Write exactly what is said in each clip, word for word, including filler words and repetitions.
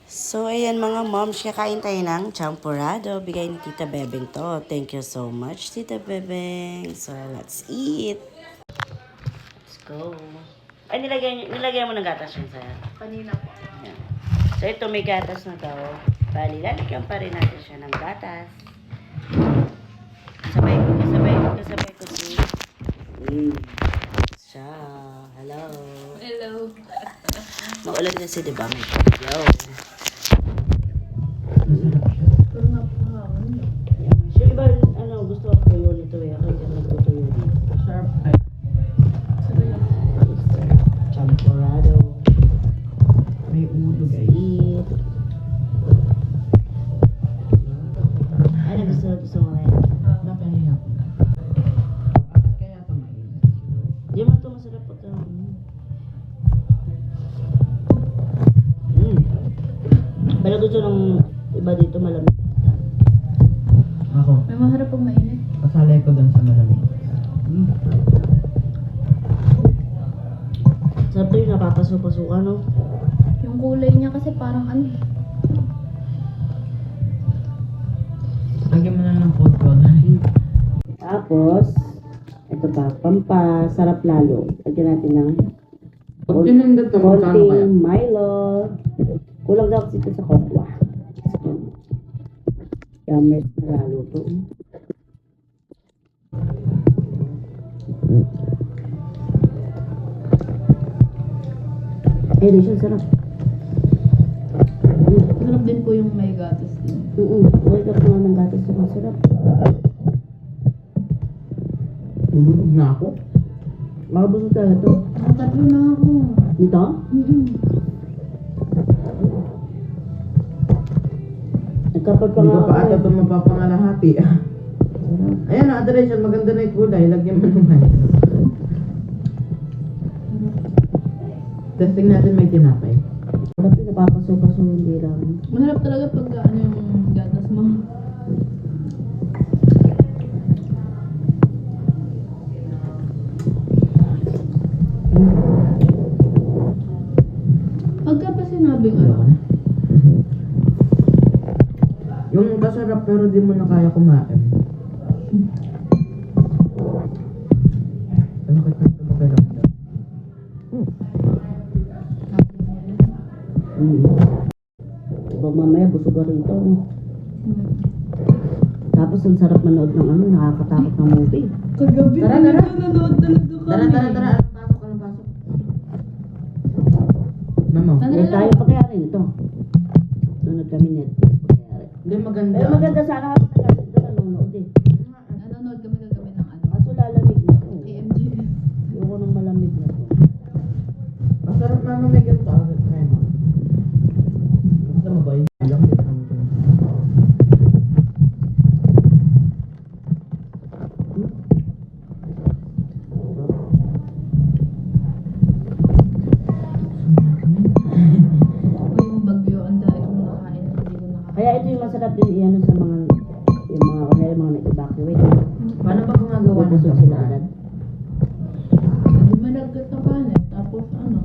So, ayan mga moms, kakain tayo ng champurrado. Bigay ni Tita Bebeng to. Thank you so much, Tita Bebeng. So, let's eat. Let's go. Ay, nilagay, nilagay mo ng gatas yun sa'yo? Kanina po. Ayan. So, ito may gatas na to. Bali, lalagyan pa rin natin siya ng gatas. Kasabay, kasabay, kasabay ko si... Mm. Siya. Hello. Hello. Maulan kasi, di ba? May bagyo. Pero napakahawin niyo. Sure, iba, ano, gusto ko tuyo nito eh. Ako hindi ako tuyo nito. Sharp eye. Sabi lang. Champurrado. May ulo guys. Eat. Ano gusto, gusto mo ngayon? Napahiya ko na. Bakit kaya ito mainit? Di mo ito masarap pagka. Mm. Pero gusto ng iba dito malamig. Ako, May maharap pag mainit. kasalay ko dun sa malamig. Mm. Sarap ito yung napapasok-pasukan, no? Yung kulay niya kasi parang ano. Lagyan mo na ng food coloring. Tapos, ito pa, pampasarap lalo. Lagyan natin ng Pag tinindot to, magkano kaya? konting Milo. Kulang daw kasi ito sa kokwa. Yummers na lalo to. Eh, di siya sarap. Sarap din po yung may gatas din. Oo, wake up nga ng gatas na masarap. Tulog na ako. Makabusog talaga to. Nakatatlo na ako. Dito? Mm-mm. Nagkapag pa Hindi nga ko pa ako ata eh. ito mapapangalahati. Sarap. Ayan na, adoration. Maganda na yung kulay. Lagyan mo naman. Testing natin may tinapay. Sarap yun, napapasok-pasok hindi lang. Maharap talaga pag ano yung gatas mo. Pagka pa sinabing ano, Ayoko na. Yung masarap pero di mo na kaya kumain. Ano ka ito magkaramdam? Mm. Diba mamaya busog ka rito. No? hmm. Tapos ang sarap manood ng ano, nakakatakot ng movie. Kagabi Tara, tara. nanonood talaga kami. Tara, tara, tara. Anong pasok? Anong pasok? Mamo. Tara. Huwag tayo pagkayari nito. Nanood kami Netflix pagkayari. Hindi maganda. Pero maganda sana ako nagkakit doon nanonood eh. Nanonood kami kagabi ng ano. Kaso lalamig na to. A M G. Ayoko ng malamig na to. Masarap mama may ganito. Ah, try mo. Gusto mo ba yun? Alam ko naman ito. Uy, yung bagyo, ang dahil kong nakain, hindi ko nakain. Kaya ito yung masarap din iyan sa mga yung mga kanila mga nag-evacuate. Paano ba gumagawa ng Busog sila samurai? agad. Hindi malagkat na kanin, tapos ano,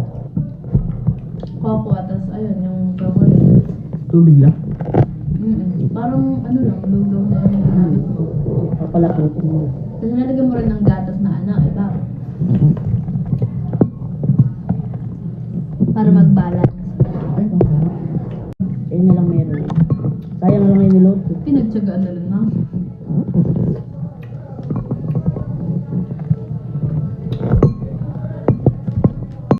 coco, tas ayun, yung chocolate. Tubig lang? Mm Parang ano lang, lugaw na yun yung ginamit ko. Papalaputin mo. Tapos nalagyan mo rin ng gatas na ano, iba. Para mag-balance. Ay, masarap. Ayun na lang meron. Sayang lang yung niload ko. Pinagtsagaan na lang na.